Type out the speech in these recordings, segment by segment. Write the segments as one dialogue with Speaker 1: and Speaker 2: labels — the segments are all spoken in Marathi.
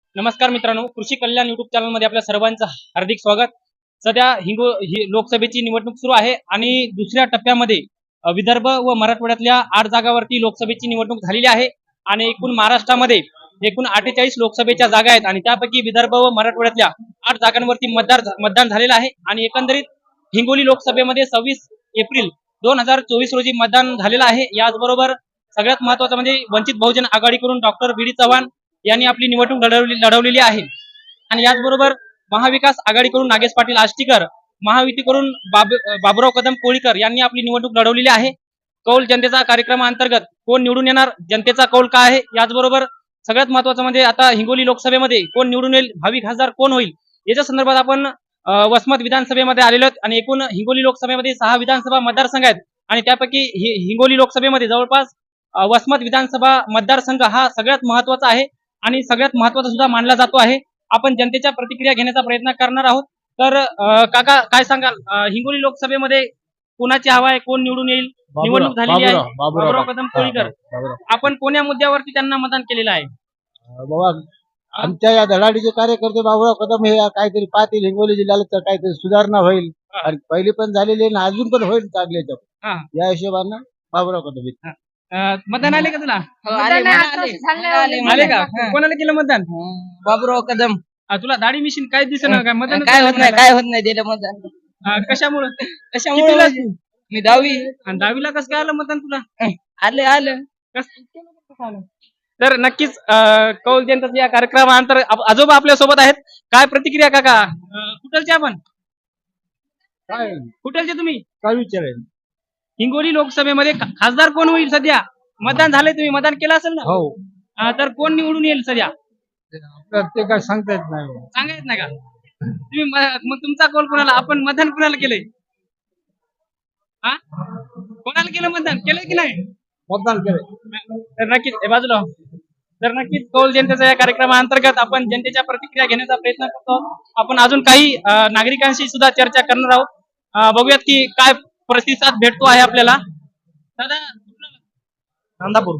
Speaker 1: नमस्कार मित्रांनो, कृषी कल्याण युट्यूब चॅनल मध्ये आपल्या सर्वांचं हार्दिक स्वागत. सध्या लोकसभेची निवडणूक सुरू आहे आणि दुसऱ्या टप्प्यामध्ये विदर्भ व मराठवाड्यातल्या 8 जागांवरती लोकसभेची निवडणूक झालेली आहे आणि एकूण महाराष्ट्रामध्ये एकूण 48 लोकसभेच्या जागा आहेत आणि त्यापैकी विदर्भ व मराठवाड्यातल्या 8 जागांवरती मतदान झालेलं आहे आणि एकंदरीत हिंगोली लोकसभेमध्ये 26 एप्रिल 2024 रोजी मतदान झालेलं आहे. याचबरोबर सगळ्यात महत्वाचं म्हणजे वंचित बहुजन आघाडीकडून डॉक्टर बी डी चव्हाण यांनी आपली निवडणूक लढवलेली आहे आणि याचबरोबर महाविकास आघाडीकडून नागेश पाटील आष्टीकर, महायुतीकडून बाबुराव कदम कोळीकर यांनी आपली निवडणूक लढवलेली आहे. कौल जनतेचा कार्यक्रमाअंतर्गत कोण निवडून येणार, जनतेचा कौल काय आहे, याचबरोबर सगळ्यात महत्वाचं म्हणजे आता हिंगोली लोकसभेमध्ये कोण निवडून येईल, भावी खासदार कोण होईल, याच्या संदर्भात आपण वसमत विधानसभेमध्ये आलेलो आहोत आणि एकूण हिंगोली लोकसभेमध्ये 6 विधानसभा मतदारसंघ आहेत आणि त्यापैकी हिंगोली लोकसभेमध्ये जवळपास वसमत विधानसभा मतदारसंघ हा सगळ्यात महत्वाचा आहे आणि सगळ्यात महत्वाचा सुद्धा मानला जातो आहे. आपण जनतेच्या प्रतिक्रिया घेण्याचा प्रयत्न करणार आहोत. तर काका काय सांगाल, हिंगोली लोकसभेमध्ये कोणाची हवा आहे, कोण निवडून येईल? निवडणूक झालेली आहे. बाबुराव कदम कोळीकर. आपण कोण्या मुद्द्यावरती त्यांना मतदान केलेलं आहे?
Speaker 2: बाबा आमच्या या धडाडीचे कार्यकर्ते बाबुराव कदम हे काहीतरी पाहतील हिंगोली जिल्ह्याला तर काहीतरी सुधारणा होईल आणि पहिली पण झालेली आहे अजून पण होईल चांगले या हिशोबानं बाबुराव कदम
Speaker 1: मतदान आले का तुला?
Speaker 3: आले
Speaker 1: का? कोणाला केलं मतदान?
Speaker 3: बाबुराव कदम.
Speaker 1: तुला दाढी मिशीन काय दिसेना काय मतदान?
Speaker 3: काय होत नाही दिलं मतदान.
Speaker 1: कशामुळे?
Speaker 3: कशामुळे? मी 10वी.
Speaker 1: आणि 10वीला कसं काय आलं मतदान तुला?
Speaker 3: आलं.
Speaker 1: तर नक्कीच कौल जनतेच्या या कार्यक्रमानंतर आजोबा आपल्या सोबत आहेत. काय प्रतिक्रिया काका? कुठलचे आपण?
Speaker 2: काय
Speaker 1: कुठलचे तुम्ही?
Speaker 2: काय विचारेल
Speaker 1: हिंगोली लोकसभेमध्ये खासदार कोण होईल सध्या? मतदान झालंय, तुम्ही मतदान केलं असेल ना?
Speaker 2: हो
Speaker 1: तर कोण निवडून येईल सध्या?
Speaker 2: ते काय सांगता येत नाही
Speaker 1: सांगा येत नाही का? तुम्ही मग तुमचा कौल कोणाला? आपण मतदान कोणाला केलंय? हा, कोणाला केलं मतदान? केलंय की नाही?
Speaker 2: मतदान केलं.
Speaker 1: तर नक्कीच हे बाजूला हो. तर नक्कीच कौल जनतेच्या या कार्यक्रमाअंतर्गत आपण जनतेच्या प्रतिक्रिया घेण्याचा प्रयत्न करतो. आपण अजून काही नागरिकांशी सुद्धा चर्चा करणार आहोत. बघूयात की काय प्रतिसाद भेटतो आहे आपल्याला. दादा
Speaker 2: नांदापूर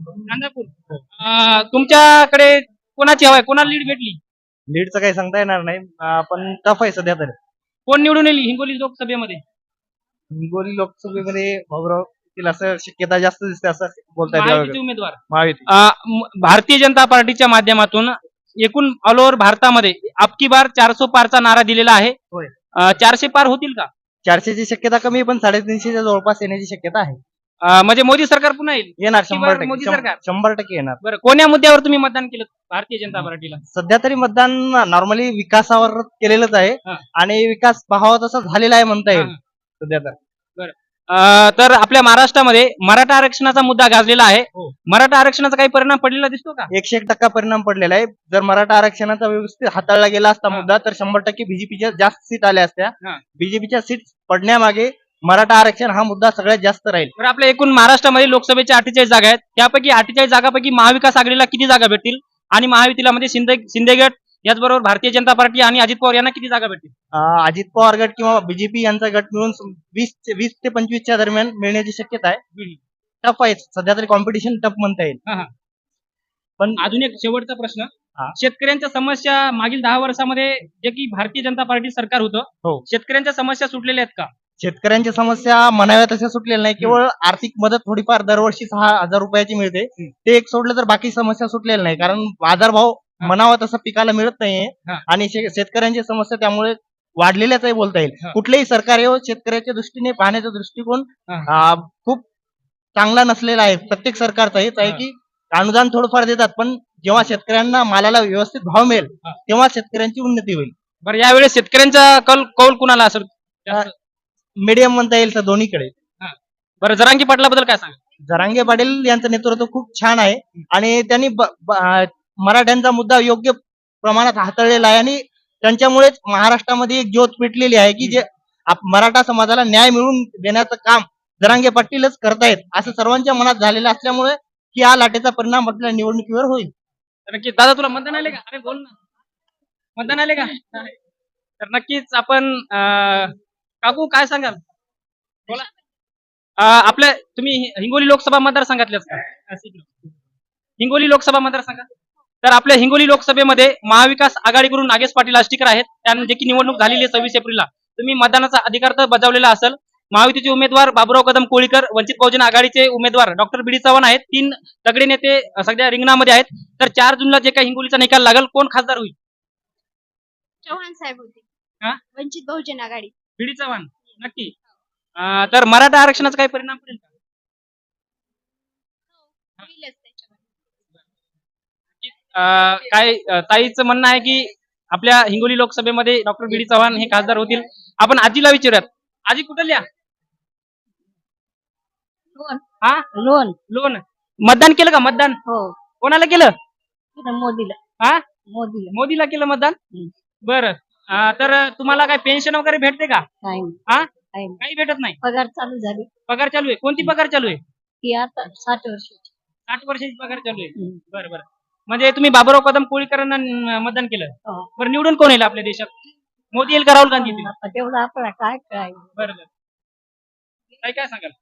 Speaker 1: तुमच्याकडे कोणाची हवा आहे, कोणाला लीड भेटली?
Speaker 2: लीडचं काही सांगता येणार नाही पण टफ आहे सध्या तरी.
Speaker 1: कोण निवडून येईल हिंगोली लोकसभेमध्ये?
Speaker 2: हिंगोली लोकसभेमध्ये बाबुराव असं शक्यता जास्त दिसते असं बोलता
Speaker 1: महायुतीचे उमेदवार
Speaker 2: महायुती
Speaker 1: भारतीय जनता पार्टीच्या माध्यमातून एकूण ऑल ओव्हर भारतामध्ये अबकी बार 400 पारचा नारा दिलेला आहे. 400 पार होतील का?
Speaker 2: 400ची शक्यता कमी पण 350च्या जवळपास येण्याची शक्यता आहे.
Speaker 1: म्हणजे मोदी सरकार पुन्हा येईल?
Speaker 2: येणार
Speaker 1: मोदी सरकार
Speaker 2: 100% येणार.
Speaker 1: बरं, कोण्या मुद्द्यावर तुम्ही मतदान केलं भारतीय जनता पार्टीला?
Speaker 2: सध्या तरी मतदान नॉर्मली विकासावर केलेलंच आहे आणि विकास पाहावा तसा झालेला आहे म्हणता येईल सध्या तर.
Speaker 1: तर आपल्या महाराष्ट्रामध्ये मराठा आरक्षणाचा मुद्दा गाजलेला आहे. मराठा आरक्षणाचा काही परिणाम पडलेला दिसतो का?
Speaker 2: 101% परिणाम पडलेला आहे. जर मराठा आरक्षणाचा व्यवस्थित हाताळला गेला असता मुद्दा तर 100% बीजेपीच्या जास्त सीट आल्या असत्या. बीजेपीच्या सीट पडण्यामागे मराठा आरक्षण हा मुद्दा सगळ्यात जास्त राहील.
Speaker 1: तर आपल्या एकूण महाराष्ट्रामध्ये लोकसभेच्या 48 जागा आहेत. त्यापैकी 48 जागापैकी महाविकास आघाडीला किती जागा भेटतील आणि महायुतीला म्हणजे शिंदे गट याचबरोबर भारतीय जनता पार्टी आणि अजित पवार यांना किती जागा भेटतील?
Speaker 2: अजित पवार गट किंवा बीजेपी यांचा गट मिळून 20 ते 25च्या दरम्यान मिळण्याची शक्यता आहे. टफ आहे सध्या तरी, कॉम्पिटिशन टफ म्हणता येईल.
Speaker 1: पण अजून एक शेवटचा प्रश्न, शेतकऱ्यांच्या समस्या मागील 10 वर्षामध्ये जे की भारतीय जनता पार्टी सरकार होतं, शेतकऱ्यांच्या समस्या सुटलेल्या आहेत का?
Speaker 2: शेतकऱ्यांच्या समस्या म्हणाव्या तशा सुटलेल्या नाही. केवळ आर्थिक मदत थोडीफार दरवर्षी 6,000 रुपयाची मिळते, ते एक सोडलं तर बाकी समस्या सुटलेल्या नाही. कारण बाजारभाव म्हणावा तसा पिकाला मिळत नाहीये आणि शेतकऱ्यांची समस्या त्यामुळे वाढलेल्याच आहे बोलता येईल. कुठलेही सरकार येऊ शेतकऱ्याच्या दृष्टीने पाहण्याचा दृष्टिकोन खूप चांगला नसलेला आहे. प्रत्येक सरकारचा हेच आहे की अनुदान थोडंफार देतात पण जेव्हा शेतकऱ्यांना मालाला व्यवस्थित भाव मिळेल तेव्हा शेतकऱ्यांची उन्नती होईल.
Speaker 1: बरं, यावेळेस शेतकऱ्यांचा कौल कुणाला असेल?
Speaker 2: मीडियम म्हणता येईल तर दोन्हीकडे.
Speaker 1: बरं, जरांगी पाटलाबद्दल काय सांगा?
Speaker 2: जरांगे पाटील यांचं नेतृत्व खूप छान आहे आणि त्यांनी मराठ्यांचा मुद्दा योग्य प्रमाणात हाताळलेला आहे आणि त्यांच्यामुळेच महाराष्ट्रामध्ये एक ज्योत पेटलेली आहे की जे मराठा समाजाला न्याय मिळवून देण्याचं काम जरांगे पाटीलच करतायत असं सर्वांच्या मनात झालेलं असल्यामुळे की हा लाटेचा परिणाम आपल्या निवडणुकीवर होईल.
Speaker 1: नक्कीच. दादा तुला मतदान आले का? अरे बोल ना, मतदान आले का? तर नक्कीच आपण काकू काय सांगाल? बोला. आपल्या तुम्ही हिंगोली लोकसभा मतदारसंघातलेच का? हिंगोली लोकसभा मतदारसंघात तर आपल्या हिंगोली लोकसभेमध्ये महाविकास आघाडीकडून नागेश पाटील आष्टीकर आहेत. त्यांना जे की निवडणूक झालेली आहे 26 एप्रिलला. तुम्ही मतदानाचा अधिकार तर बजावलेला असेल. महायुतीचे उमेदवार बाबुराव कदम कोळीकर, वंचित बहुजन आघाडीचे उमेदवार डॉक्टर बी डी चव्हाण आहेत. 3 तगडे नेते सध्या रिंगणामध्ये आहेत. तर 4 जूनला जे काही हिंगोलीचा निकाल लागेल, कोण खासदार होईल?
Speaker 4: चव्हाण साहेब होते.
Speaker 1: हा?
Speaker 4: वंचित बहुजन आघाडी.
Speaker 1: बी डी चव्हाण नक्की. तर मराठा आरक्षणाचा काही परिणाम पडेल का?
Speaker 4: होईलच त्याच्यावर.
Speaker 1: काय ताईचं म्हणणं आहे की आपल्या हिंगोली लोकसभेमध्ये डॉक्टर बी डी चव्हाण हे खासदार होतील. आपण आजीला विचारूयात. आजी कुठल्या?
Speaker 4: लोन.
Speaker 1: हा
Speaker 4: लोन.
Speaker 1: लोन मतदान केलं का? मतदान
Speaker 4: हो.
Speaker 1: कोणाला केलं?
Speaker 4: मोदीला.
Speaker 1: हा
Speaker 4: मोदीला.
Speaker 1: मोदीला केलं मतदान. बरं. तर तुम्हाला काय पेन्शन वगैरे भेटते का?
Speaker 4: नाही.
Speaker 1: हा
Speaker 4: नाही.
Speaker 1: काही भेटत नाही.
Speaker 4: पगार चालू झाली.
Speaker 1: पगार चालू आहे. कोणती पगार चालू आहे?
Speaker 4: ती आता 60 वर्षाची.
Speaker 1: 60 वर्षाची पगार चालू आहे. बरं बरं. म्हणजे तुम्ही बाबुराव कदम कोळीकरांना मतदान केलं.
Speaker 4: हो.
Speaker 1: बरं, निवडून कोण येईल आपल्या देशात? मोदी येईल का राहुल गांधी येतील?
Speaker 4: आता तेवढं आपल्याला काय काय
Speaker 1: बरं बरं. काय सांगाल?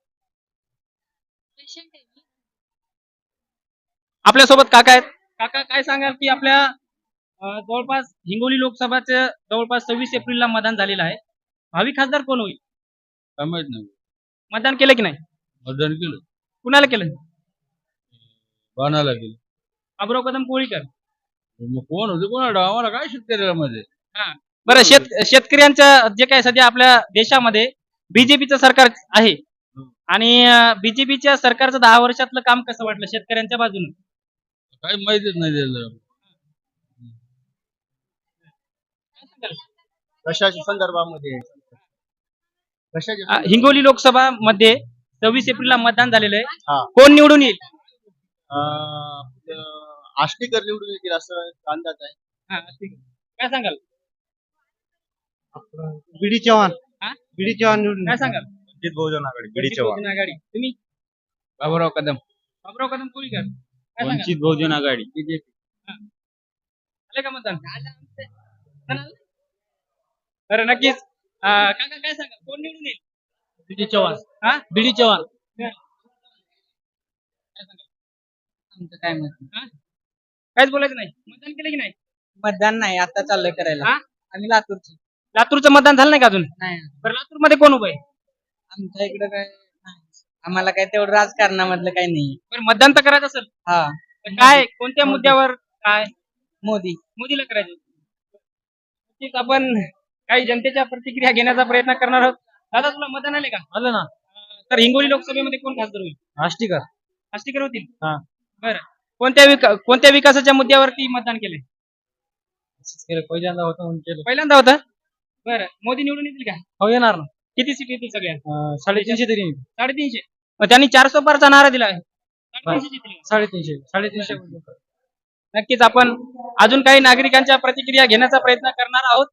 Speaker 1: आपल्यासोबत काका आहेत. काका काय सांगाल की आपल्या जवळपास हिंगोली लोकसभाचं जवळपास 26 एप्रिलला मतदान झालेलं आहे. भावी खासदार कोण होईल?
Speaker 5: काय माहित नाही.
Speaker 1: मतदान केलं की नाही?
Speaker 5: मतदान केलं,
Speaker 1: कुणाला केलं?
Speaker 5: बाणाला केलं.
Speaker 1: बाबुराव कदम कोळीकर.
Speaker 5: मग कोण होते कोणाला? आम्हाला काय शेतकऱ्याला मध्ये
Speaker 1: बरं, शेतकऱ्यांचं जे काय सध्या आपल्या देशामध्ये बीजेपीचं सरकार आहे आणि बीजेपीच्या सरकारचं 10 वर्षातलं काम कसं वाटलं शेतकऱ्यांच्या बाजूने?
Speaker 5: काही माहितीच नाही त्याला.
Speaker 2: कशाच्या संदर्भामध्ये? कशाच्या
Speaker 1: हिंगोली लोकसभा मध्ये 26 एप्रिलला मतदान झालेलं
Speaker 2: हा.
Speaker 1: आहे. कोण निवडून येईल?
Speaker 2: आष्टीकर निवडून येतील असं अंदाज आहे.
Speaker 1: हा, ठीक आहे. काय सांगाल?
Speaker 2: बीडी चव्हाण.
Speaker 1: हा?
Speaker 2: बीडी चव्हाण निवडून
Speaker 1: काय सांगाल?
Speaker 2: वंचित बहुजन आघाडी.
Speaker 1: वंचित बहुजन आघाडी. तुम्ही?
Speaker 5: बाबुराव कदम,
Speaker 1: बाबुराव कदम कोळीकर. काय सांगाल?
Speaker 5: वंचित बहुजन आघाडी, बीजेपी.
Speaker 1: आले का मतदान? झालं? बरं, नक्कीच. काका काय सांगाल? कोण निवडून येईल?
Speaker 3: बीडी चव्हाण.
Speaker 1: हा?
Speaker 3: बीडी चव्हाण.
Speaker 1: काय सांगाल?
Speaker 3: आमचं काय मत?
Speaker 1: हा? काहीच बोलायचं नाही. मतदान केलं की नाही?
Speaker 3: मतदान नाही, आता चाललंय करायला.
Speaker 1: हा?
Speaker 3: आम्ही लातूरची.
Speaker 1: लातूरचं मतदान झालं नाही का अजून?
Speaker 3: नाही,
Speaker 1: बरं, लातूर मध्ये कोण उभं आहे?
Speaker 3: आमच्या इकडे काय नाही. आम्हाला काय तेवढं राजकारणामधलं काही नाही.
Speaker 1: बरं, मतदान तर करायचं असेल.
Speaker 3: हा,
Speaker 1: तर काय कोणत्या मुद्द्यावर काय
Speaker 3: मोदी.
Speaker 1: मोदीला करायचं? नक्कीच आपण काही जनतेच्या प्रतिक्रिया घेण्याचा प्रयत्न करणार आहोत. दादा, तुला मतदान आले का?
Speaker 3: आलं ना.
Speaker 1: तर हिंगोली लोकसभेमध्ये कोण खासदार होईल?
Speaker 3: आष्टीकर.
Speaker 1: आष्टीकर होतील.
Speaker 3: हा.
Speaker 1: बरं, कोणत्या विकासाच्या मुद्द्यावरती मतदान केलंय?
Speaker 3: पहिल्यांदा होतं म्हणून केलं.
Speaker 1: पहिल्यांदा होतं. बरं, मोदी निवडून येतील का?
Speaker 3: हो, येणार ना.
Speaker 1: किती सीट येतील सगळ्या?
Speaker 3: 350 तरी.
Speaker 1: 350. मग त्यांनी 400 पारचा नारा दिला आहे. 350 येतील.
Speaker 3: 350.
Speaker 1: नक्कीच आपण अजून काही नागरिकांच्या प्रतिक्रिया घेण्याचा प्रयत्न करणार आहोत.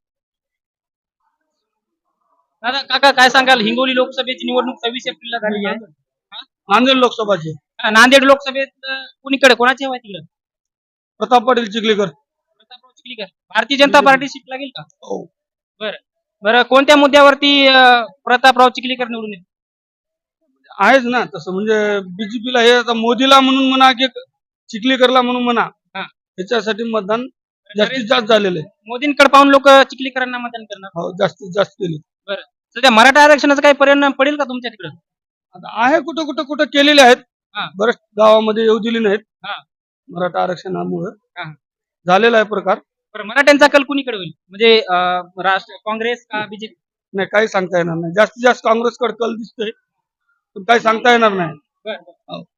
Speaker 1: दादा, काका काय सांगाल? हिंगोली लोकसभेची निवडणूक 26 एप्रिलला झाली आहे.
Speaker 5: नांदेड लोकसभाचे
Speaker 1: नांदेड लोकसभेत कुणीकडे कोणाची हवा आहे तिकडे?
Speaker 5: प्रताप पाटील चिखलीकर.
Speaker 1: प्रतापराव चिखलीकर. भारतीय जनता पार्टी सीट लागेल का?
Speaker 5: हो.
Speaker 1: बरं बरं, कोणत्या मुद्द्यावरती प्रतापराव चिखलीकर निवडून येतील?
Speaker 5: आहेच ना तसं, म्हणजे बीजेपीला हे आता मोदीला म्हणून म्हणा की चिखलीकरला म्हणून म्हणा,
Speaker 1: हा.
Speaker 5: त्याच्यासाठी मतदान जास्तीत जास्त झालेलं आहे.
Speaker 1: मोदींकडे पाहून लोक चिखलीकरांना मतदान करणार.
Speaker 5: हो, जास्तीत जास्त केले.
Speaker 1: बरं, सध्या मराठा आरक्षणाचा काही परिणाम पडेल का तुमच्या तिकडे?
Speaker 5: आता आहे कुठं केलेले आहेत.
Speaker 1: हा.
Speaker 5: बरेच गावामध्ये येऊ दिली नाहीत.
Speaker 1: हा.
Speaker 5: मराठा आरक्षणामुळे
Speaker 1: हा.
Speaker 5: झालेला आहे प्रकार.
Speaker 1: बरं, मराठ्यांचा कल कुणीकडे होईल? म्हणजे राष्ट्र काँग्रेस का बीजेपी?
Speaker 5: नाही, काही सांगता येणार नाही. जास्तीत जास्त काँग्रेसकडे कल दिसतोय, पण काही सांगता येणार नाही.
Speaker 1: बरं.